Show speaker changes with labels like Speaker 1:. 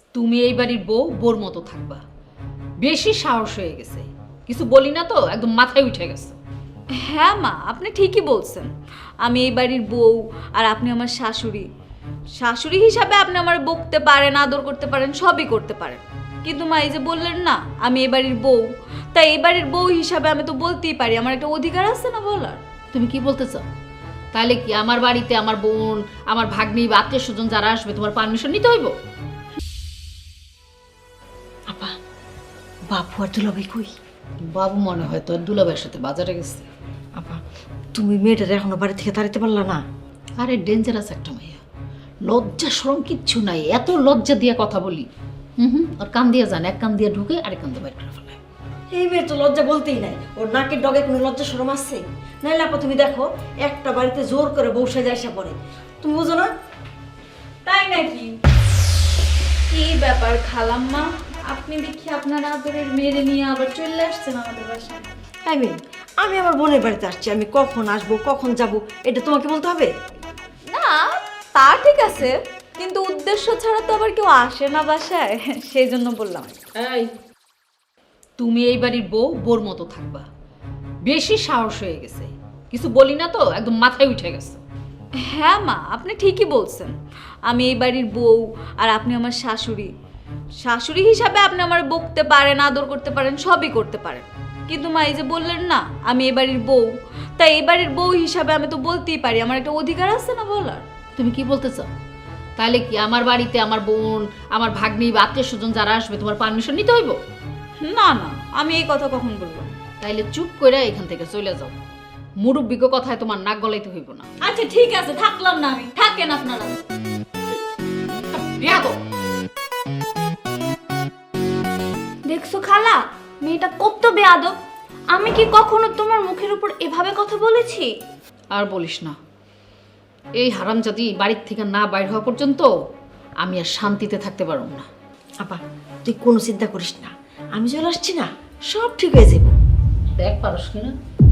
Speaker 1: তুমি এই বাড়ির বউ বোর মতো থাকবা। বেশি সাহস হয়ে গেছে, কিছু বলি না তো একদম মাথায় উঠে গেছে।
Speaker 2: হ্যাঁ মা, আপনি ঠিকই বলছেন। আমি এই বাড়ির বউ আর আপনি আমার শাশুড়ি। শাশুড়ি হিসাবে আপনি আমার বকতে পারেন, আদর করতে পারেন, সবই করতে পারেন। কিন্তু মা, এই যে বললেন না আমি এই বাড়ির বউ, তাই এই বাড়ির বউ হিসাবে আমি তো বলতেই পারি, আমার একটা অধিকার আছে না বলার।
Speaker 1: তুমি কি বলতে চাও? তাহলে কি আমার বাড়িতে আমার বোন, আমার ভাগ্নি বা আত্মীয় স্বজন যারা আসবে তোমার পারমিশন নিতে হইব?
Speaker 3: আপা, বাপু আর দুলাভাই কই?
Speaker 1: বাবু মনে হয় তোর দুলাভাইয়ের সাথে বাজারে গেছে।
Speaker 3: আপা, তুমি মেয়েটার এখনো বাড়ি থেকে তাড়াতে পারলা না?
Speaker 1: আরে ডেঞ্জারাস একটা মেয়ে, লজ্জা শরম কিচ্ছু নাই, এত লজ্জা দিয়ে কথা বলি। আর কান দিয়ে যান, এক কান দিয়ে ঢুকে আরেক কান দিয়ে বাইর করে ফেলায়।
Speaker 3: এই মেয়ের তো লজ্জা বলতেই নাই। ওর নাকের ডগে কোনো লজ্জা শরম আছে? নাইলে আপা তুমি দেখো, একটা বাড়িতে জোর করে বউ সাজা আসা পড়ে, তুমি বুঝো না?
Speaker 2: তাই নাকি? কি ব্যাপার খালাম্মা, আপনি দেখি আপনার আদরের মেয়েরে নিয়ে আবার চলে আসছেন আমাদের বাসায়।
Speaker 3: হ্যাঁ মেয়ে, আমি আমার বোনের বাড়িতে আসছি, আমি কখন আসবো কখন যাব এটা তোমাকে বলতে হবে?
Speaker 2: না, তা ঠিক আছে, কিন্তু উদ্দেশ্য ছাড়া তো আবার কেউ আসে না বাসায়, সেই জন্য বললাম।
Speaker 1: এই, তুমি এই বাড়ির বউ বোর মতো থাকবা। বেশি সাহস হয়ে গেছে, কিছু বলি না তো একদম মাথায় উঠে গেছে।
Speaker 2: হ্যাঁ মা, আপনি ঠিকই বলছেন। আমি এই বাড়ির বউ আর আপনি আমার শাশুড়ি। শাশুড়ি হিসাবে আপনি আমার বকতে পারেন, আদর করতে পারেন, সবই করতে পারেন। কিন্তু মা, এই যে বললেন না আমি এই বাড়ির বউ, তাই এই বাড়ির বউ হিসাবে আমি তো বলতেই পারি, আমার একটা অধিকার আছে না বলার।
Speaker 1: তুমি কি বলতে চাও? তাহলে কি আমার বাড়িতে আমার বোন, আমার ভাগ্নি বা আত্মীয় স্বজন যারা আসবে তোমার পারমিশন নিতে হইব?
Speaker 2: না না, আমি এই কথা কখন বলবো?
Speaker 1: তাইলে চুপ করে এখান থেকে চলে যাও। মুরব্বিক কথায় তোমার নাক গলাইতে হইব না।
Speaker 2: আচ্ছা ঠিক আছে, থাকলাম না আমি, থাকেন আপনারা।
Speaker 1: বেয়াদব!
Speaker 4: দেখছো খালা, মেয়েটা কত বেয়াদব। আমি কি কখনো তোমার মুখের উপর এভাবে কথা বলেছি?
Speaker 1: আর বলিস না, এই হারামজাদি বাড়ির থেকে না বাইর হওয়া পর্যন্ত আমি আর শান্তিতে থাকতে পারব না।
Speaker 3: আপা, তুই কোনো চিন্তা করিস না, আমি চলে আসছি না, সব ঠিক হয়ে যাবো।
Speaker 1: দেখ পারস কিনা।